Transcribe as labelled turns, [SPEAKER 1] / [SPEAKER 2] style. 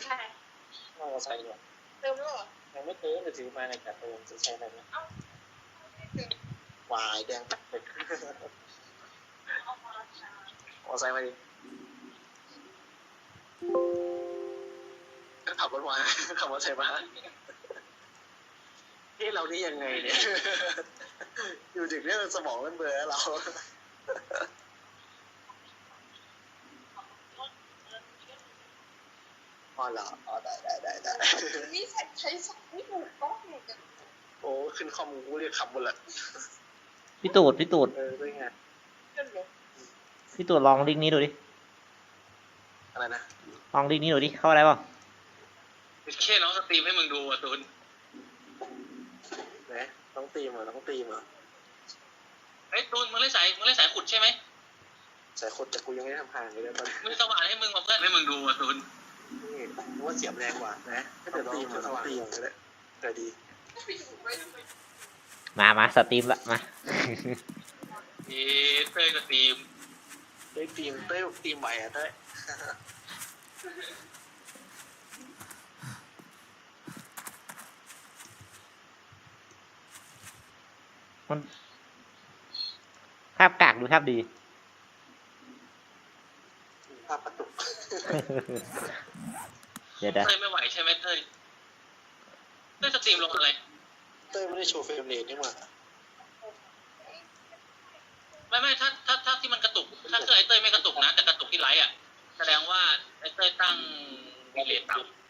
[SPEAKER 1] ใช่
[SPEAKER 2] มอเตอร์ไซค์เนี่ย
[SPEAKER 1] เติมแล้วเหรอ
[SPEAKER 2] ยังไม่เติมจะถือมาในกระเติมจะใช้อะไรนะวายแดงปัดเลยมอเตอร์ไซค์มาดิขับรถมาขับมอเตอร์ไซค์มาที่เรานี่ยังไงเนี่ยอยู่ดึกเนี่ยสมองมันเบลอเราอ๋อเหรออ๋อได้
[SPEAKER 1] นี่ใช้สับไม่ถูกต้องเลยกัน
[SPEAKER 2] โอ้ขึ้นคอมกูเรียกขับหมดละ
[SPEAKER 3] พี่ตูด
[SPEAKER 2] ด้วยไง
[SPEAKER 3] พี่ตูดลองลิงก์นี้ดูดิ
[SPEAKER 2] อะไรนะ
[SPEAKER 3] ลองลิงก์นี้ดูดิเข้าอะไรเปล่า
[SPEAKER 4] แค่น้องสตรีมให้มึงดูอ่ะตูน
[SPEAKER 2] ไหนต้องตีมเหรอ
[SPEAKER 4] เฮ้ยตูนมึงเล่นสายขุดใช่ไหม
[SPEAKER 2] ใส่คนแต่กูยังไม่ได้ทำผ่านเลยตอนนี้
[SPEAKER 4] มึงสว่านให้มึงมาเพื่อนให้มึงดูอ่ะตูน
[SPEAKER 2] นี่ว่าเสียบแรงกว่านะถ้าเกิดตีมเหรอต้องตีมก็ได้แต่ดี
[SPEAKER 3] มาสตรีมละมา
[SPEAKER 4] เฮ้ยเต้ยสตรีม
[SPEAKER 2] ได้ตีมตีมไหวอ่ะเต้ย
[SPEAKER 3] มันภาพกากดูภาพดี
[SPEAKER 2] ภาพประตุก
[SPEAKER 3] เดี๋ยว
[SPEAKER 4] เต้ยไม่ไหวใช่ไหมเต้ยสตรีมลงอะไร
[SPEAKER 2] เต้ยไม่ได้โชว์เฟรมเรทนี่หว่า
[SPEAKER 4] ไม่ถ้าที่มันกระตุกถ้าเครื่องไอ้เต้ยไม่กระตุกนะแต่กระตุกที่ไลฟ์อ่ะแสดงว่าไอ้เต้ยตั้งดีเลย์ต่ำ